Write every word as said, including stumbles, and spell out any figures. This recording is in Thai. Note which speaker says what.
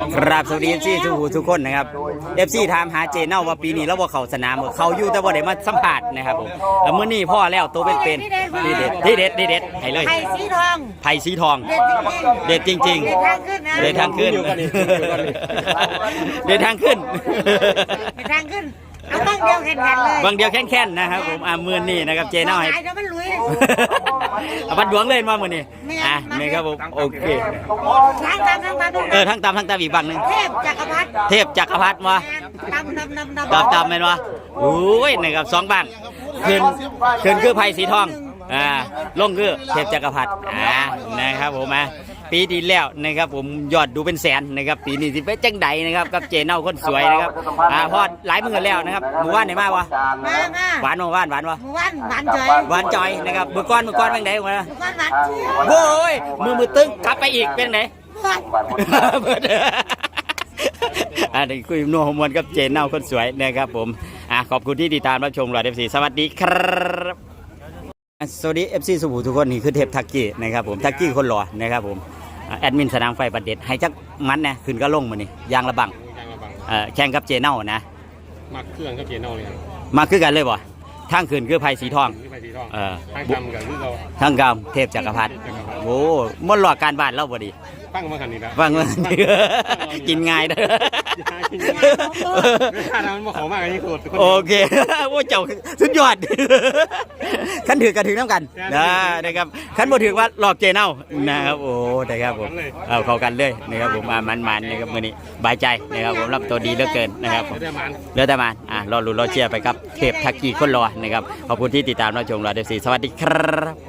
Speaker 1: ครับสวัสดีเอฟซีทุกทุกคนนะครับเอฟซีถามหาเจเน่าว่าปีนี้เราบ่เข้าสนามเขาอยู่แต่ว่าได้มาสัมผัสนะครับผมแล้วมื้อนี้พ่อแล้วตัวเป็นๆที่เด็ดที่เด็ดที่เด็ดให้เลย
Speaker 2: ไผ่สีทอง
Speaker 1: ไผ่สีทอง
Speaker 2: เด็ดจริง
Speaker 1: เด็ดจริง
Speaker 2: เด็ดทางขึ้นนะ
Speaker 1: ๆเด็ดทางขึ้นเด็ดทางขึ้น
Speaker 2: เด็ดทางขึ้นเอาบ้างเดียวแข็งๆเลย
Speaker 1: บางเดียวแค่นๆนะครับผมอ่ามื้อนี้นะครับเจเน่าให้
Speaker 2: หายแล้วมันลุย
Speaker 1: เอาบัดดวงเลยมามื้อนี้อ่ะนี่ครับผมโอเค
Speaker 2: ทางตามทางตาม
Speaker 1: เออทั้งตามทั้งตามอีกฝั่งหนึง
Speaker 2: เทพจักรพรรดิ
Speaker 1: เทพจักรพรรดิมา
Speaker 2: ตามตามตามตาม
Speaker 1: ตามตามเป็นวะโอ้ยนะครับสองบ้างขึ้นขึ้นคือไผ่สีทองอ่าลงคือเทพจักรพรรดิอ่านะครับผมอ่ะปีที่แล้วนะครับผมยอดดูเป็นแสนนะครับปีนี้สิเป็นจังใดนะครับกับเจเน่าคนสวยนะครับอ่าพอดหลายมื้อแล้วนะครับหมู่บ้านไหนมากวะ
Speaker 2: มามา
Speaker 1: หวานบ่หวานหวานวะ
Speaker 2: หมู่บ้านหวานจอย
Speaker 1: หวานจอยนะครับมือก้อนมือก้อนเป็นไงวะ
Speaker 2: หมู่บ้านหวานเจี๊ยบ
Speaker 1: โว้ยมือมือตึงกลับไปอีกเป็นไง
Speaker 2: หวาน
Speaker 1: เบิดอันนี้คุยนัวฮอร์โมนกับเจนเน่าคนสวยนะครับผมอ่ะขอบคุณที่ติดตามรับชมหลอดเอฟซีสวัสดีครับสวัสดีเอฟซีสุภูทุกคนนี่คือเทพทักกี้นะครับผมทักกี้คนหล่อนะครับผมอ่ะแอดมินสนามไฟประเด็ดให้จักมันนะขึ้นก็ลงมานี่ยางระบัง
Speaker 3: ยางระบัง
Speaker 1: เอ่อแข่งกับเจเน่านะ
Speaker 3: มักเครื่องกับเจนเอาเลยครับ
Speaker 1: มาคือกันเลยบ่ทางขึ้นคือไผ่สีทอง
Speaker 3: ที่ไปสีทอง
Speaker 1: เออ
Speaker 3: ทางจำกับที่เรา
Speaker 1: ทางกามเทพจักรพรรดิโอ้มดหลอกการบ้านเล่าบ่ดี
Speaker 3: ตั้งมาขันนี้นะ
Speaker 1: ฟังว่ากินง่ายเด้อ
Speaker 3: กินง่ายถ้าทำมันมาขอมากอันนี้สุด
Speaker 1: โอเคว่าเจ้าสุดยอดขันถือกระถึงน้ำกันนะนะครับขันบ่ถือว่าหลอกเจเน่านะครับโอ้นะครับผมเอาเข้ากันเลยนะครับผมมามันๆนะครับมื้อนี้บายใจนะครับผมรับตัวดีเหลือเกินนะครับผม
Speaker 3: เดี๋ยวมัน
Speaker 1: เหลือแต่มันอ่ะรอลุ้นรอเชียร์ไปกับเทพทักกี้คนรอนะครับขอบคุณที่ติดตามรับชมรอเดฟซีสวัสดีครับ